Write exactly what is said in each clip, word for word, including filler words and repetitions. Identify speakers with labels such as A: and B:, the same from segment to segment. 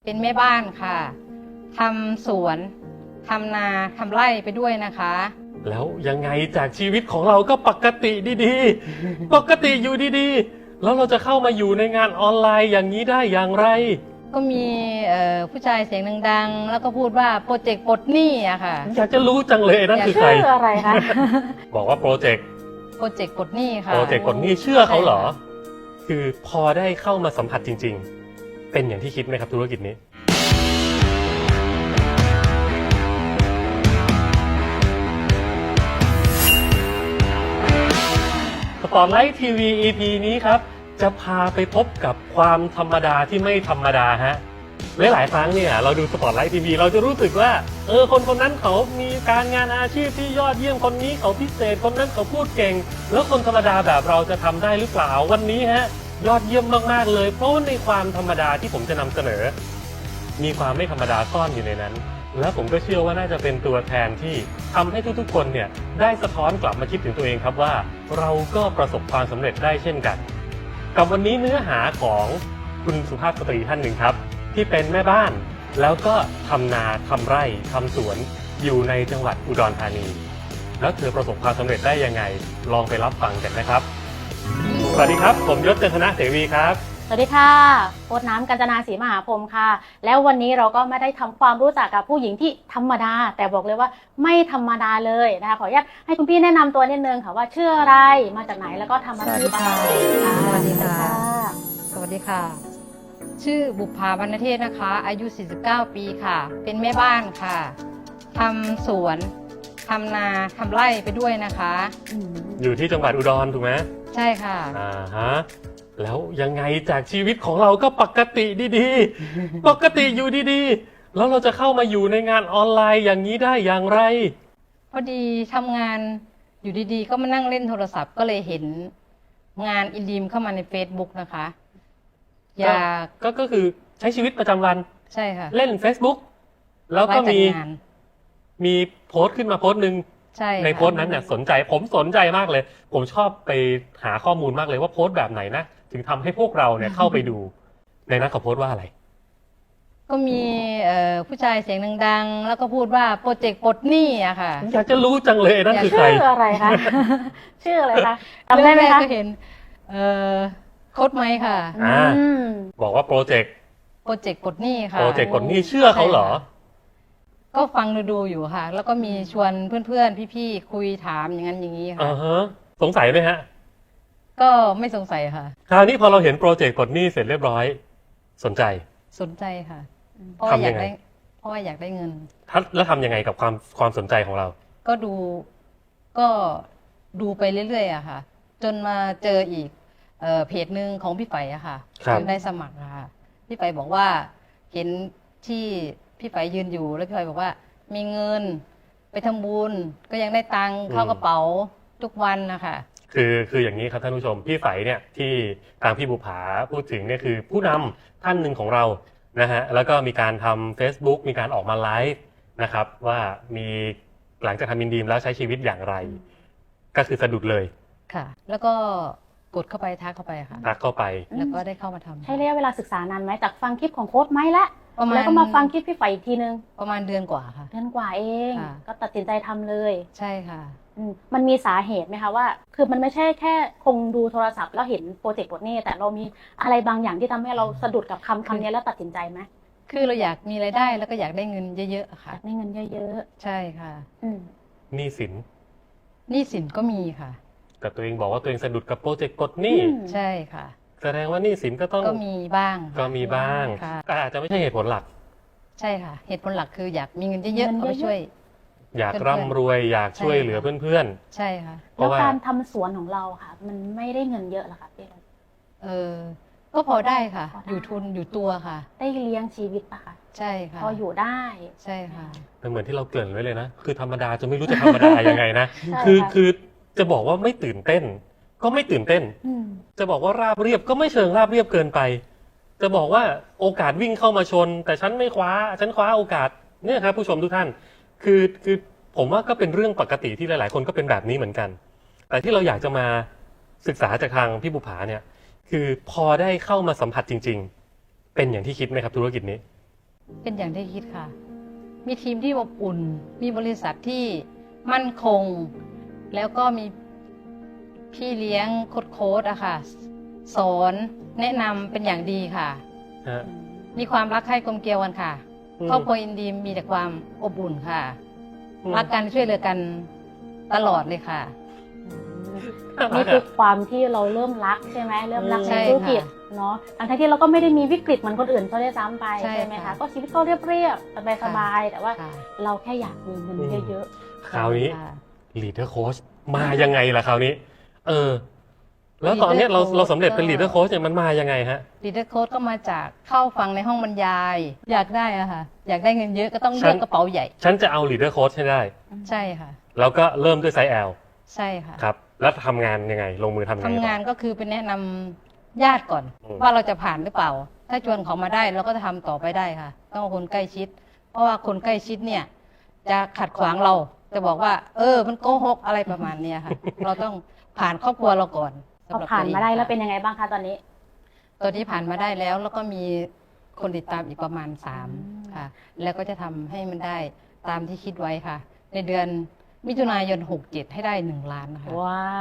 A: เป็นแม่บ้านค่ะทำสวนทำนาทำไร่ไปด้วยนะคะ
B: แล้วยังไงจากชีวิตของเราก็ปกติดีๆ ปกติอยู่ดีๆ แล้วเราจะเข้ามาอยู่ในงานออนไลน์อย่างนี้ได้อย่างไร
A: ก็มีผู้ชายเสียงดังๆแล้วก็พูดว่าโปรเจกต์ปลดหนี้อะค่ะ
B: อยากจะรู้จังเลยนั่นคือใคร
C: ชื่ออะไรคะ
B: บอกว่าโปรเจกต์
A: โปรเจกต์ปลดหนี้ค่ะ
B: โปรเจกต์กดหนี้เชื่อเขาเหรอ คือพอได้เข้ามาสัมผัสจริงๆ เป็นอย่างที่คิดไหมครับธุรกิจนี้ สปอตไลท์ทีวี อี พี นี้ครับจะพาไปพบกับความธรรมดาที่ไม่ธรรมดาฮะหลายๆครั้งเนี่ยเราดูสปอตไลท์ทีวีเราจะรู้สึกว่าเออคนคนนั้นเขามีการงานอาชีพที่ยอดเยี่ยมคนนี้เขาพิเศษคนนั้นเขาพูดเก่งแล้วคนธรรมดาแบบเราจะทำได้หรือเปล่าวันนี้ฮะยอดเยี่ยมมากๆเลยเพราะในความธรรมดาที่ผมจะนำเสนอมีความไม่ธรรมดาซ่อนอยู่ในนั้นและผมก็เชื่อว่าน่าจะเป็นตัวแทนที่ทำให้ทุกๆคนเนี่ยได้สะท้อนกลับมาคิดถึงตัวเองครับว่าเราก็ประสบความสำเร็จได้เช่นกันกับวันนี้เนื้อหาของคุณสุภาพสตรีท่านหนึ่งครับที่เป็นแม่บ้านแล้วก็ทำนาทำไร่ทำสวนอยู่ในจังหวัดอุดรธานีแล้วเธอประสบความสำเร็จได้ยังไงลองไปรับฟังกันนะครับสวัสดีครับผมยศจันทนะเสวีครับ
C: สวัสดีค่ะโค้ชน้ำกัญจนาศรีมหาพรหมค่ะแล้ววันนี้เราก็ไม่ได้ทำความรู้จักกับผู้หญิงที่ธรรมดาแต่บอกเลยว่าไม่ธรรมดาเลยนะคะขออนุญาตให้คุณพี่แนะนำตัวนิดนึงค่ะว่าชื่ออะไรมาจากไหนแล้วก็ทำอาชีพอะไร
A: สวัสดีค่ะสวัสดีค่ะชื่อบุภาวรรณเทศนะคะอายุสี่สิบเก้าปีค่ะเป็นแม่บ้านค่ะทำสวนทำนาทำไร่ไปด้วยนะคะ
B: อยู่ที่จังหวัดอุดรถูกไหม
A: ใช่ค่ะ
B: อ่าฮะแล้วยังไงจากชีวิตของเราก็ปกติดีๆ ปกติอยู่ดีๆ แล้วเราจะเข้ามาอยู่ในงานออนไลน์อย่างนี้ได้อย่างไร
A: พอดีทำงานอยู่ดีๆก็มานั่งเล่นโทรศัพท์ก็เลยเห็นงานอินดีมเข้ามาใน Facebook นะคะอยาก
B: ก็ก็คือใช้ชีวิตประจำวัน
A: ใช่ค่ะ
B: เล่น Facebook แล้วก็มี
A: งาน
B: มีโพสต์ขึ้นมาโพสต์หนึ่ง
A: ใช่
B: ในโพสต์นั้นเนี่ยสนใจผมสนใจมากเลย ผมชอบไปหาข้อมูลมากเลยว่าโพสต์แบบไหนนะถึงทำให้พวกเราเนี่ยเข้าไปดูในนั้นเขาโพสต์ว่าอะไร
A: ก็มีผู้ชายเสียงดังๆแล้วก็พูดว่าโปรเจกต์ปลดหนี้อะค่ะ
B: อยากจะรู้จังเลยนั่นคือใคร
C: ชื่ออะไรคะชื่ออะไรคะจำได้ไหมคะ
A: ก็เห็นโค้ดไหมค่ะ
B: บอกว่าโปรเจกต์
A: โปรเจกต์ปลดหนี้ค่ะ
B: โปรเจกต์ปลดหนี้เชื่อเขาเหรอ
A: ก็ฟังดูๆอยู่ค่ะแล้วก็มีชวนเพื่อนๆพี่ๆคุยถามอย่างนั้นอย่างนี้ค่ะ
B: อ่าฮะสงสัยไหมฮะ
A: ก็ไม่สงสัยค่ะ
B: คราวนี้พอเราเห็นโปรเจกต์ปลดหนี้เสร็จเรียบร้อยสนใจ
A: สนใจค่ะเพราะว่าอยากได้เพราะว่าอยากได้เงิน
B: แล้วทำยังไงกับความความสนใจของเรา
A: ก็ดูก็ดูไปเรื่อยๆอะค่ะจนมาเจออีกเอ่อเพจหนึ่งของพี่ไฝอะค่ะจนได้สมัครค่ะพี่ไฝบอกว่าเห็นที่พี่ไฝยืนอยู่แล้วพี่ไฝบอกว่ามีเงินไปทำบุญก็ยังได้ตังค์เข้ากระเป๋าทุกวันนะคะ
B: คือคืออย่างนี้ครับท่านผู้ชมพี่ไฝเนี่ยที่ทางพี่บุภาพูดถึงเนี่ยคือผู้นำท่านหนึ่งของเรานะฮะแล้วก็มีการทำ Facebook มีการออกมาไลฟ์นะครับว่ามีหลังจากทำอินดีมแล้วใช้ชีวิตอย่างไรก็คือสะดุดเลย
A: ค่ะแล้วก็กดเข้าไปทักเข้าไปค่ะ
B: ทักเข้าไป
A: แล้วก็ได้เข้ามาทำ
C: ใช้ระยะเวลาศึกษานานไหมจากฟังคลิปของโค้ชไหมละแล้วก็มาฟังคลิปพี่ไฝอีกทีนึง
A: ประมาณเดือนกว่าค่ะ
C: เดือนกว่าเองก็ตัดสินใจทำเลย
A: ใช่ค่ะ
C: มันมีสาเหตุไหมคะว่าคือมันไม่ใช่แค่คงดูโทรศัพท์แล้วเห็นโปรเจกต์ปลดหนี้แต่เรามีอะไรบางอย่างที่ทำให้เราสะดุดกับคำคำนี้แล้วตัดสินใจไหม
A: คือเราอยากมีรายได้แล้วก็อยากได้เงินเยอะๆค่ะ
C: อยากได้เงินเยอะ
A: ๆใช่ค่ะ
B: หนี้สิน
A: หนี้สินก็มีค่ะ
B: แต่ตัวเองบอกว่าตัวเองสะดุดกับโปรเจกต์ปลดหนี้
A: ใช่ค่ะ
B: แสดงว่าหนี้สินก็ต้อง
A: ก็มีบ้าง
B: ก็มีบ้างแต่อาจจะไม่ใช่เหตุผลหลัก
A: ใช่ค่ะเหตุผลหลักคืออยากมีเงินเยอะๆเอาไปช่วย
B: อยากร่ำรวยอยากช่วยเหลือเพื่อน
A: ๆใช่ค่ะ
C: แล้วการทำสวนของเราค่ะมันไม่ได้เงินเยอะหรอคะพี่
A: เออก็พอได้ค่ะอยู่ทุนอยู่ตัวค่ะ
C: ได้เลี้ยงชีวิตปะคะ
A: ใช่ค่ะ
C: พออยู่ได้
A: ใช่ค่ะ
B: แต่เหมือนที่เราเกริ่นไว้เลยนะคือธรรมดาจะไม่รู้จะธรรมดายังไงนะคือคือจะบอกว่าไม่ตื่นเต้นก็ไม่ตื่นเต้นจะบอกว่าราบเรียบก็ไม่เชิงราบเรียบเกินไปจะบอกว่าโอกาสวิ่งเข้ามาชนแต่ฉันไม่คว้าฉันคว้าโอกาสเนี่ยครับผู้ชมทุกท่านคือคือผมว่าก็เป็นเรื่องปกติที่หลายๆคนก็เป็นแบบนี้เหมือนกันแต่ที่เราอยากจะมาศึกษาจากทางพี่บุภาเนี่ยคือพอได้เข้ามาสัมผัสจริงๆเป็นอย่างที่คิดไหมครับธุรกิจนี้
A: เป็นอย่างที่คิดค่ะ มีทีมที่อบอุ่น มีบริษัทที่มั่นคง แล้วก็มีพี่เลี้ยงโค้ชโค้ชอะค่ะ สอนแนะนำเป็นอย่างดีค่ะ
B: ฮะ
A: มีความรักใคร่กลมเกลียวกันค่ะ
B: อืม
A: ครอบครัวอินดีมมีแต่ความอบอุ่นค่ะ
B: อืม
A: รักกันช่วยเหลือกันตลอดเลยค่ะ
C: นี่คือความที่เราเริ่มรักใช่ไหมเริ่มรัก
A: ใช่
C: ใน
A: ค่ะ
C: ธุรกิจเนาะทั้งที่เราก็ไม่ได้มีวิกฤตเหมือนคนอื่นเขาได้ซ้ำไป
A: ใช่
C: ใช่ไหมคะ
A: ค่ะ
C: ก็ชีวิตก็เรียบๆสบายๆแต่ว่า
A: ค่ะ
C: เราแค่อยากมีเงินเยอะ
B: คราวนี้
A: ค่ะ
B: leader coach มายังไงล่ะคราวนี้ เออ แล้วตอนเนี้ยเรา
A: leader coach
B: เราสำเร็จเป็น
A: ก็
B: leader coach เนี่ยมันมายังไงฮะ
A: ลีดเดอร์โค้ดก็มาจากเข้าฟังในห้องบรรยาย อยากได้อะค่ะ อยากได้เงินเยอะก็ต้อง
B: ฉั
A: เลื
B: น
A: อกกระเป๋าใหญ่
B: ฉันจะเอา leader coach ให้ได้
C: ๆ
A: ใช่ค่ะ
B: แล้วก็เริ่มด้วยไซส์ L
A: ใช่ค่ะ
B: ครับ แล้วทำงานยังไง ลงมือทำยังไง
A: ทำ
B: ต่อ
A: งานก็คือเป็นแนะนำญาติก่อน
B: อืม
A: ว่าเราจะผ่านหรือเปล่า ถ้าชวนเขามาได้เราก็จะทำต่อไปได้ค่ะ ต้องเอาคนใกล้ชิด เพราะว่าคนใกล้ชิดเนี่ย จะขัดขวางเรา จะบอกว่า เออ มันโกหกอะไรประมาณเนี้ยค่ะ เราต้องผ่านครอบครัวเราก่อน
C: พอ
A: สำหรับ
C: ผ่านมาได้
A: ตัเอง
C: แล้วเป็น
A: ค่ะ
C: ยังไงบ้างคะตอนนี้
A: ตอนนี้ผ่านมาได้แล้ว แล้วก็มีคนติดตามอีกประมาณสาม
C: อืม
A: ค่ะ แล้วก็จะทำให้มันได้ตามที่คิดไว้ค่ะ ในเดือนมิถุนายนหกเจ็ดให้ได้หนึ่งล้านนะคะ
C: ว้าว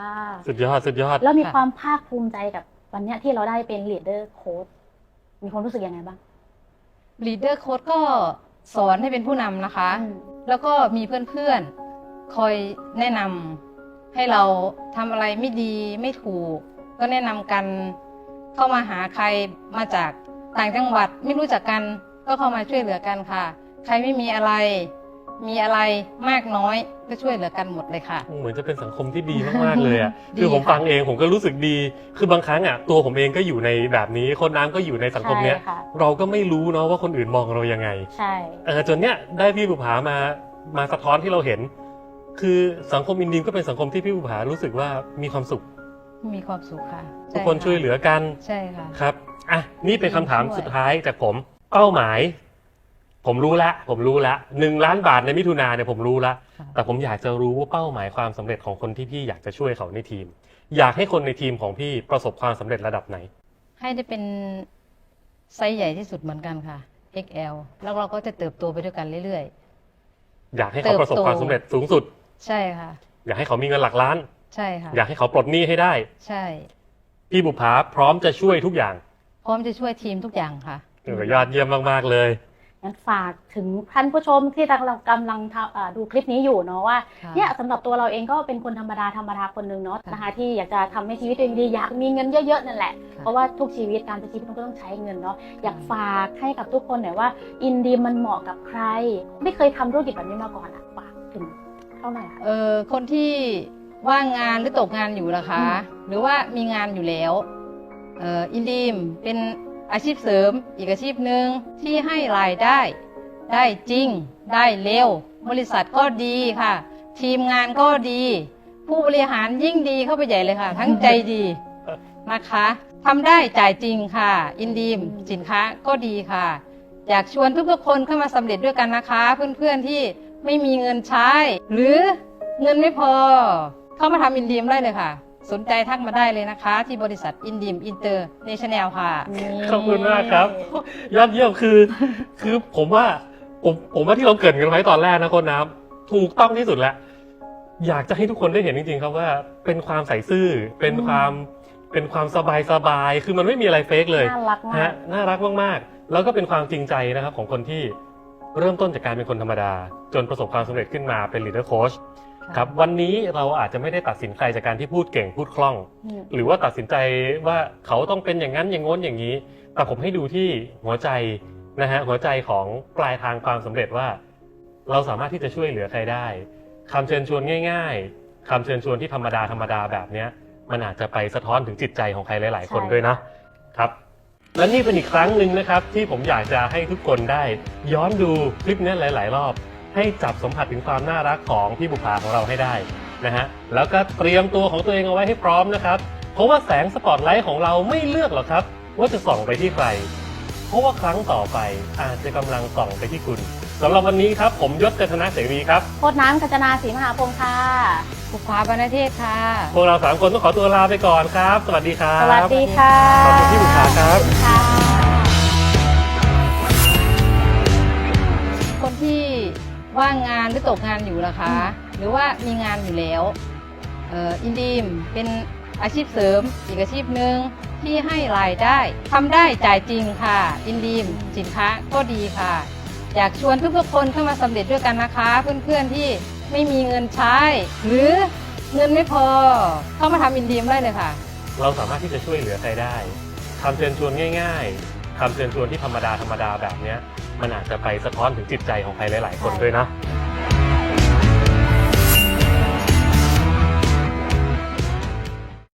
B: สุดยอด สุดยอด
C: แล้วมี
A: ค่ะ
C: ความภาคภูมิใจกับวันเนี้ยที่เราได้เป็น leader coach มีความรู้สึกยังไงบ้าง
A: ลีดเดอร์โค้ดก็สอนให้เป็นผู้นำนะคะ
C: อืม
A: แล้วก็มีเพื่อนๆ คอยแนะนำให้เราทำอะไรไม่ดีไม่ถูก ก็แนะนำกันเข้ามาหาใครมาจากต่างจังหวัดไม่รู้จักกัน ก็เข้ามาช่วยเหลือกันค่ะ ใครไม่มีอะไร มีอะไรมากน้อยก็ช่วยเหลือกันหมดเลยค่ะ
B: เหมือนจะเป็นสังคมที่ดีมากๆเลยอ่ะ
A: ดี
B: คือผม
A: ค่ะ
B: ฟังเองผมก็รู้สึกดี คือบางครั้งอ่ะตัวผมเองก็อยู่ในแบบนี้ คนน้ำก็อยู่ในสังคมเนี้ย
C: ใช่ค่ะ
B: เราก็ไม่รู้เนาะว่าคนอื่นมองเรายังไง
C: ใช่
B: เออจนเนี้ยได้พี่บุภามามาสะท้อนที่เราเห็น คือสังคมอินดีมก็เป็นสังคมที่พี่บุภารู้สึกว่ามีความสุข
A: มีความสุขค่ะ
B: ทุกคน
A: ใะ
B: ช่วยเหลือกัน
A: ใช่ค่ะ
B: ครับอ่ะนี่เป็นคำถาม
A: ช่วย
B: สุดท้ายจากผมเป้าหมาย ผมรู้ละผมรู้ละหนึ่งล้านบาทในมิถุนาเนี่ยผมรู้ละ
A: ค่ะ
B: แต่ผมอยากจะรู้ว่าเป้าหมายความสำเร็จของคนที่พี่อยากจะช่วยเขาในทีม อยากให้คนในทีมของพี่ประสบความสำเร็จระดับไหน
A: ให้ได้เป็นไซส์ใหญ่ที่สุดเหมือนกันค่ะ เอ็กซ์ แอล แล้วเราก็จะเติบโตไปด้วยกันเรื่อย
B: อยากให้เขาประสบความสำเร็จสูงสุด
A: ๆ ใช่ค่ะ
B: อยากให้เขามีเงินหลักล้าน
A: ใช่ค่ะ
B: อยากให้เขาปลดหนี้ให้ได้
A: ใช่
B: พี่บุภาพร้อมจะช่วยทุกอย่าง
A: พร้อมจะช่วยทีมทุกอย่างค่ะ
B: เออยอดเยี่ยมมากๆเลย
C: งั้นฝากถึงท่านผู้ชมที่กำลังกำลังทำอ่าดูคลิปนี้อยู่เนาะว่า
A: ค่ะ
C: เนี่ยสำหรับตัวเราเองก็เป็นคนธรรมดาธรรมดาคนหนึ่งเนาะ
A: ค่ะ
C: นะคะที่อยากจะทำให้ชีวิตตัวเองดีอยากมีเงินเยอะๆนั่นแหละ
A: ค่ะ
C: เพราะว่าทุกชีวิตการใช้ชีวิตมันก็ต้องใช้เงินเนาะอยากฝากให้กับทุกคนหน่อยว่าอินดีมันเหมาะกับใคร ไม่เคยทำธุรกิจแบบนี้มาก่อนอะฝากถึงเท่าไหร่คะ
A: เออคนที่ว่างงานหรือตกงานอยู่นะคะ หรือว่ามีงานอยู่แล้วเอออินดีมเป็นอาชีพเสริมอีกอาชีพหนึ่งที่ให้รายได้ ได้จริง ได้เร็ว บริษัทก็ดีค่ะ ทีมงานก็ดี ผู้บริหารยิ่งดีเข้าไปใหญ่เลยค่ะ ทั้งใจดีนะคะทำได้จ่ายจริงค่ะ อินดีมสินค้าก็ดีค่ะ อยากชวนทุกๆคนเข้ามาสำเร็จด้วยกันนะคะ เพื่อนๆที่ไม่มีเงินใช้ หรือเงินไม่พอ เข้ามาทำอินดีมได้เลยค่ะ สนใจทักมาได้เลยนะคะ ที่บริษัทอินดีมอินเตอร์เนชั่นแนลค่ะ
B: ขอบคุณมากครับ ยอดเยี่ยมคือ คือผมว่าผมผมว่าที่เราเกริดกันไว้ตอนแรกนะคนน้ำถูกต้องที่สุดแล้ว อยากจะให้ทุกคนได้เห็นจริงๆครับว่าเป็นความใส่ซื่อ เป็นความเป็นความสบายสบายๆคือมันไม่มีอะไรเฟกเลย
C: น่ารักมา
B: ฮะ
C: ก
B: น่ารักมากๆ แล้วก็เป็นความจริงใจนะครับของคนที่เริ่มต้นจากการเป็นคนธรรมดา จนประสบความสำเร็จขึ้นมาเป็น leader coach ครับวันนี้เราอาจจะไม่ได้ตัดสินใครจากการที่พูดเก่งพูดคล่อง
C: อืม
B: หรือว่าตัดสินใจว่าเขาต้องเป็นอย่างนั้นอย่างโน้นอย่างนี้ แต่ผมให้ดูที่หัวใจนะฮะหัวใจของปลายทางความสำเร็จว่า เราสามารถที่จะช่วยเหลือใครได้คำเชิญชวนง่าย ๆคำเชิญชวนที่ธรรมดาธรรมดาแบบเนี้ยมันอาจจะไปสะท้อนถึงจิตใจของใครหลายๆคน
C: ใช่
B: ด้วยนะครับ และนี่เป็นอีกครั้งหนึ่งนะครับที่ผมอยากจะให้ทุกคนได้ย้อนดูคลิปนี้หลาย ๆ รอบ ให้จับสัมผัสถึงความน่ารักของพี่บุภาของเราให้ได้นะฮะแล้วก็เตรียมตัวของตัวเองเอาไว้ให้พร้อมนะครับเพราะว่าแสงสปอตไลท์ของเราไม่เลือกหรอกครับว่าจะส่องไปที่ใคร เพราะว่าครั้งต่อไปอาจจะกำลังส่องไปที่คุณสำหรับวันนี้ครับผมยศจันทนาเสรีครับ
C: โคตรน้ำกัญจนาศรีมหาพงศ์ค่ะ
A: ภูผาบรรณเทศค่ะ
B: พวกเราสามคนต้องขอตัวลาไปก่อนครับ สวัสดีครับ
C: สวัสดีค่ะ
B: ขอบคุณพี่บุภาครับ
C: ค่ะ
A: ว่างงานหรือตกงานอยู่นะคะ หรือว่ามีงานอยู่แล้วเอ่ออินดีมเป็นอาชีพเสริมอีกอาชีพหนึ่งที่ให้รายได้ทำได้จ่ายจริงค่ะอินดีมสินค้าก็ดีค่ะ อยากชวนทุกๆคนเข้ามาสำเร็จด้วยกันนะคะ เพื่อนๆที่ไม่มีเงินใช้ หรือเงินไม่พอเข้ามาทำอินดีมได้เลยค่ะ
B: เราสามารถที่จะช่วยเหลือใครได้คำเชิญชวนง่ายๆคำเชิญชวนที่ธรรมดาธรรมดาแบบเนี้ยมันอาจจะไปสะท้อนถึงจิตใจของใครหลายๆคนด้วยนะ
A: ใช่